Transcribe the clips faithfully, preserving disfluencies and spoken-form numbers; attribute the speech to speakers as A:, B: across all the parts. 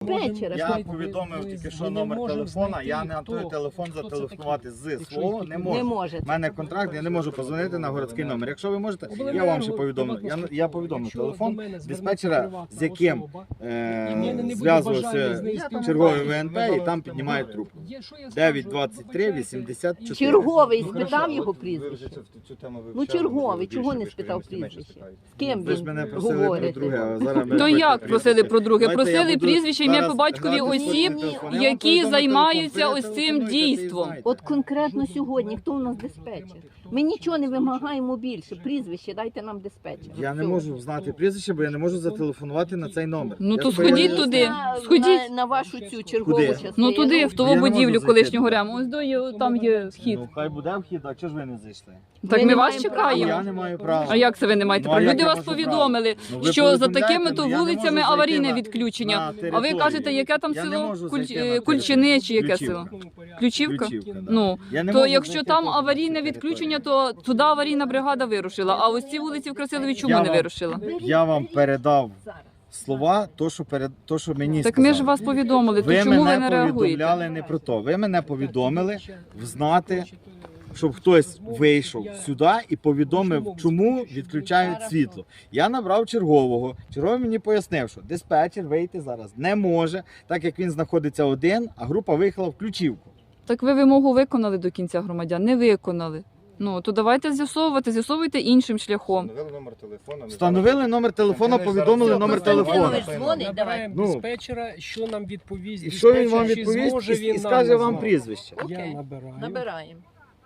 A: диспетчера.
B: Я повідомив тільки що номер телефона, я на той телефон зателефонувати з свого не
A: Не
B: можу.
A: може.
B: У мене контракт, я не можу позвонити на городський номер. Якщо ви можете, я вам ще повідомлю. Я, я повідомлю телефон диспетчера, з яким е, зв'язувався черговий В Н П, і там піднімають трубку. дев'ять двадцять три вісімдесят чотири.
A: Черговий спитав його прізвище. Ну черговий, чого не спитав прізвище? З ким
B: Ви ж мене
A: він
B: просили про
A: говорить?
B: друге, а зараз ми
C: То як просили про друге?
B: Давайте я
C: Просили
B: буду
C: прізвище, ім'я
B: зараз
C: по батькові
B: грати в
C: осіб,
B: телефон. Я вам
C: які
B: повідомлю
C: займаються
B: телефон. Ви
C: ось цим
B: телефонуйте, ти
C: дійством.
B: знаєте.
A: От конкретно сьогодні, хто у нас диспетчер? Ми нічого не вимагаємо більше. Прізвище, дайте нам диспетчера.
B: Я не
A: Все.
B: можу знати прізвище, бо я не можу зателефонувати на цей номер.
C: Ну,
B: Я
C: то
B: своє-
C: сходіть туди.
A: На,
C: Сходіть.
A: на, на вашу цю чергову
B: Куди?
A: частину.
C: Ну туди, в того
B: Я не можу
C: будівлю
B: зайти
C: колишнього
B: туди.
C: рему. Ось до є- там є вхід.
B: Ну, хай буде вхід, а чого ж ви не зайшли?
C: Так
A: Ми
C: ми
A: не
C: вас
A: маємо права.
C: чекаємо.
B: Я не маю права.
C: А як це ви не маєте
B: Ну, а
C: права?
B: як
C: Люди
B: я
C: вас
B: можу
C: повідомили,
B: Ну, ви
C: що за
B: повідомляєте,
C: такими
B: ну,
C: то
B: я не можу
C: вулицями
B: зайти
C: аварійне
B: на-
C: відключення.
B: на
C: А ви
B: територію.
C: кажете, яке там
B: Я не
C: село
B: можу
C: Куль-
B: зайти на
C: е, Кульчини чи яке
B: Ключівка.
C: село? Ключівка?
B: Ключівка, да.
C: Ну,
B: Я не
C: то
B: можу
C: якщо
B: зайти
C: там
B: на
C: аварійне
B: цю
C: відключення,
B: територію.
C: то туди аварійна бригада вирушила. А ось ці вулиці в Красилові чому
B: Я
C: не
B: вам-
C: вирушила?
B: Я вам передав слова, то, що, перед, то, що мені
C: Так
B: сказали.
C: ми ж вас повідомили, то
B: Ви
C: чому ви
B: мене
C: не реагуєте?
B: повідомляли не про то. Ви мене повідомили взнати, щоб хтось вийшов сюди і повідомив, чому відключають світло. Я набрав чергового. Черговий мені пояснив, що диспетчер вийти зараз не може, так як він знаходиться один, а група виїхала в ключівку.
C: Так ви вимогу виконали до кінця, громадян? Не виконали. Ну, то давайте з'ясовувати, з'ясовуйте іншим шляхом.
D: Встановили номер телефону.
B: Встановили номер телефону, повідомили номер телефону.
A: Константинович дзвонить, давай.
B: Ну.
E: диспетчера, що нам відповість.
B: І що він вам
E: диспетчер, чи
B: відповість
E: зможе
B: і,
E: він
B: і
E: нам
B: скаже вам
E: назвати?
B: прізвище.
E: Я
A: Окей.
E: набираю.
A: Набираємо.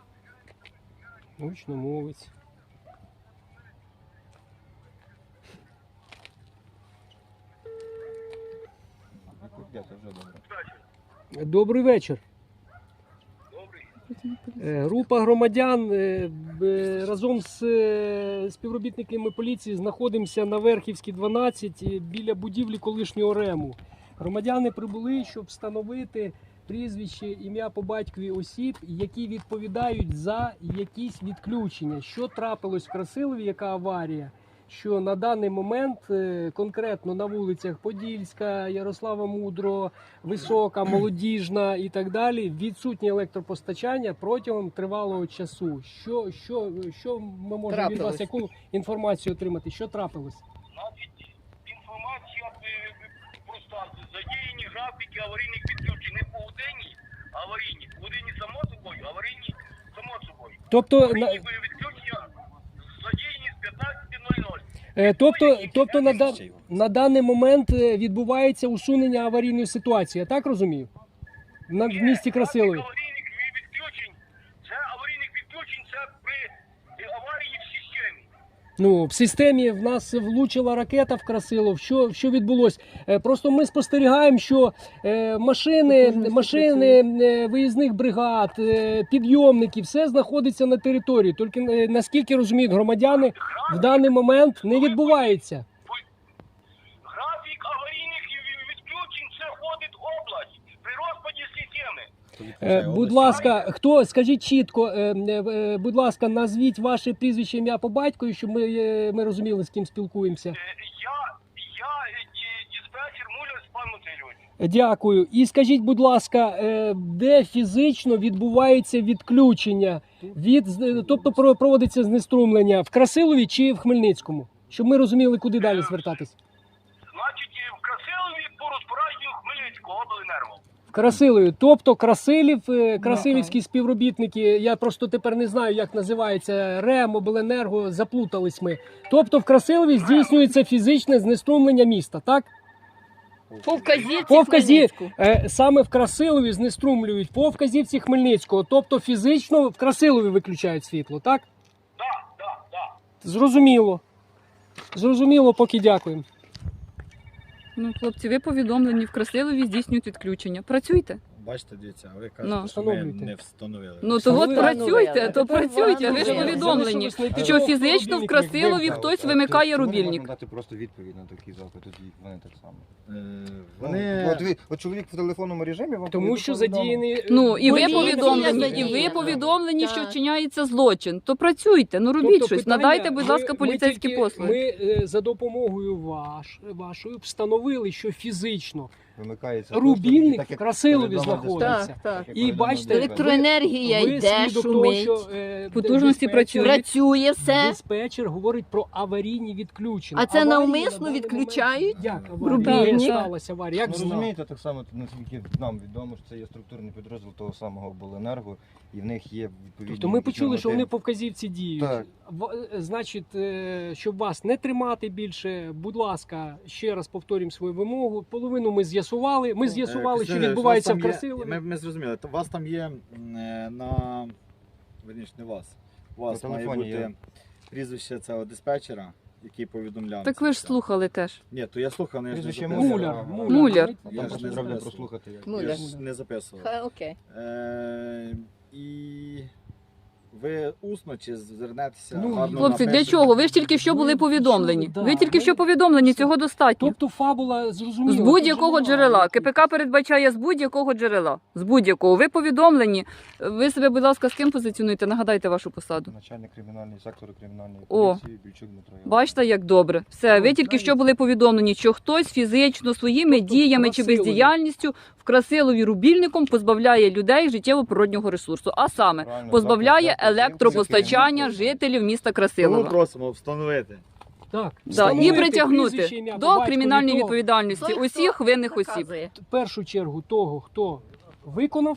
E: Гучномовець. Добрий вечір. Е, Група громадян е, б- разом з е, співробітниками поліції знаходимося на Верхівській дванадцять е, біля будівлі колишнього рему. Громадяни прибули, щоб встановити прізвище, ім'я по батькові осіб, які відповідають за якісь відключення. Що трапилось в Красилові, яка аварія? Що на даний момент е, конкретно на вулицях Подільська, Ярослава Мудрого, Висока, Молодіжна і так далі відсутнє електропостачання протягом тривалого часу. Що, що, що ми можемо від вас,
A: Трапилось.
E: яку інформацію отримати? Що трапилось?
F: Значить, інформація е, проста. Задіяні графіки аварійних відключень. Не погодинні аварійні. Погодинні само собою, аварійні само собою.
E: Тобто, на,
F: Аварійні відключення задіяні з п'ятнадцяти нуль нуль.
E: е, тобто, тобто на, да- на даний момент е, відбувається усунення аварійної ситуації, я так розумію? На, в місті Красилові.
F: Графік аварійних відключень, це аварійних відключень, це при е, аварії в системі.
E: Ну, в системі в нас влучила ракета в Красилов. Що, що відбулося? Е, Просто ми спостерігаємо, що е, машини, машини е, виїзних бригад, е, підйомники, все знаходиться на території. Тільки е, наскільки розуміють громадяни, в даний момент не відбувається.
F: Графік аварійних відключень, це входить область при розпаді системи.
E: Е, Будь ласка, хто скажіть чітко, е, е, будь ласка, назвіть ваше прізвище, ім'я по батькові, щоб ми, е, ми розуміли, з ким спілкуємося.
F: Е, Я, я е, ді- диспетчер Муляр Степан Васильович.
E: Дякую. І скажіть, будь ласка, е, де фізично відбувається відключення, від, з- тобто про- проводиться знеструмлення в Красилові чи в Хмельницькому? Щоб ми розуміли, куди далі звертатись.
F: Значить, е, в Красилові по розпорядженню Хмельницького обленерго.
E: В Красилові, тобто Красилів, е, красилівські співробітники, я просто тепер не знаю, як називається, РЕМ, обленерго, заплутались ми. Тобто в Красилові здійснюється фізичне знеструмлення міста, так?
A: По вказівці
E: По вказі...
A: Хмельницьку.
E: е, саме в Красилові знеструмлюють по вказівці Хмельницького, тобто фізично в Красилові виключають світло, так?
F: Да, да, да.
E: Зрозуміло. Зрозуміло, поки дякуємо.
C: Ну, хлопці, ви повідомлені, в Красилові здійснюють відключення. Працюйте.
B: Бачите, дивіться, а ви
C: Ну.
B: кажете, що ми
E: Встановлюйте.
B: не встановили.
C: Ну, то от
E: Встановили.
C: працюйте, то
A: Тепер
C: працюйте, ви ж
A: встановили.
C: повідомлені,
E: Залишилось
C: що
E: знайти
C: фізично в
E: рубільник,
C: Красилові
E: як
C: хтось
D: Чому
C: вимикає
D: не можна
C: рубільник.
D: дати просто відповідь на такий запит, тоді вони так само.
B: Е,
D: Вони...
B: Вони...
D: От, ви- от чоловік в телефонному режимі вам
E: Тому що
D: повідомив.
E: задіяний...
C: Ну, і ви
A: Поліція
C: повідомлені, і ви
A: задіяна.
C: повідомлені, що
A: Так.
C: вчиняється злочин. То працюйте, ну робіть
E: Тобто
C: щось,
E: питання,
C: надайте, будь
E: ми-
C: ласка,
E: ми
C: поліцейські
E: тільки-
C: послуги.
E: Ми е, за допомогою ваш, вашої встановили, що фізично
D: Вимикається
E: Рубільник
D: доступ, і так, як
E: в Красилові
D: повідомив
E: знаходиться.
A: Так, так.
D: як
E: І
D: повідомив
E: бачите,
D: ДСП.
A: Електроенергія
E: Ви
A: йде,
E: свідок того,
A: шумить,
E: що, е,
C: Потужності
E: диспетчер-
C: працюють.
A: працює все.
E: Диспетчер говорить про аварійні відключення.
A: А це
E: Аварії
A: навмисно
E: на даний
A: відключають?
E: момент- Як
A: Рубільник?
E: аварія? Як
C: Так.
E: сталася аварія? Як
D: Ну,
E: знав?
D: розумієте, так само, наскільки нам відомо, що це є структурний підрозділ того самого обленерго, і в них є відповідні...
E: Тобто ми почули, що вони
D: нормативи.
E: по вказівці діють.
D: Так.
E: В- е, Значить, е, щоб вас не тримати більше, будь ласка, ще раз повторюємо свою вимогу. Половину ми з'ясували. Ми з'ясували,
B: Е,
E: що
B: Костянтин,
E: відбувається в
B: у вас там є-
E: Красилові.
B: Ми, ми зрозуміли. То У вас там є м, е, на верніше, не вас. У вас
D: На
B: має
D: телефоні
B: бути
D: є.
B: прізвище цього диспетчера, який повідомляв.
C: Так
B: це
C: ви ж
B: все.
C: слухали теж.
B: Ні, то я слухав, але я ж не
D: Прізвище
B: записував.
E: Муляр. Муляр.
C: Муляр.
B: Я ж
D: Там
B: не
D: треба
B: записував.
D: прослухати. Як.
A: Муляр.
B: Я ж не записував.
A: Ха, окей.
B: Е, і ви усно чи звернетеся?
E: Ну,
B: гарно
C: Хлопці, для
B: напишете?
C: чого? Ви ж тільки що були
E: Ви
C: повідомлені.
E: почули, да.
C: Ви тільки що
E: Ми-
C: повідомлені, цього достатньо.
E: Тобто фабула зрозуміла.
C: З
E: тут
C: будь-якого
E: же
C: джерела.
E: немає.
C: КПК передбачає з будь-якого джерела. З будь-якого. Ви повідомлені. Ви себе, будь ласка, з ким позиціонуєте? Нагадайте вашу посаду.
D: Начальник кримінальної сектору кримінальної
C: О.
D: поліції Більчук Дмитро Іванович.
C: Бачите, як добре. Все, ви тільки що були повідомлені, що хтось фізично своїми
E: Тобто
C: діями чи
E: Красилові.
C: бездіяльністю в Красилові рубільником позбавляє людей життєво-природнього ресурсу, а саме
D: Правильно,
C: позбавляє
D: завтра- завтра
C: електропостачання
D: керівництво.
C: жителів міста
B: Тому
C: Красилова.
B: просимо встановити.
E: Так.
C: Да, і
E: Встановити
C: притягнути
E: прізвище, ім'я, по
C: до
E: батькові
C: кримінальної
E: того,
C: відповідальності
A: Той, хто
C: усіх винних осіб.
A: наказує.
E: в першу чергу того, хто виконав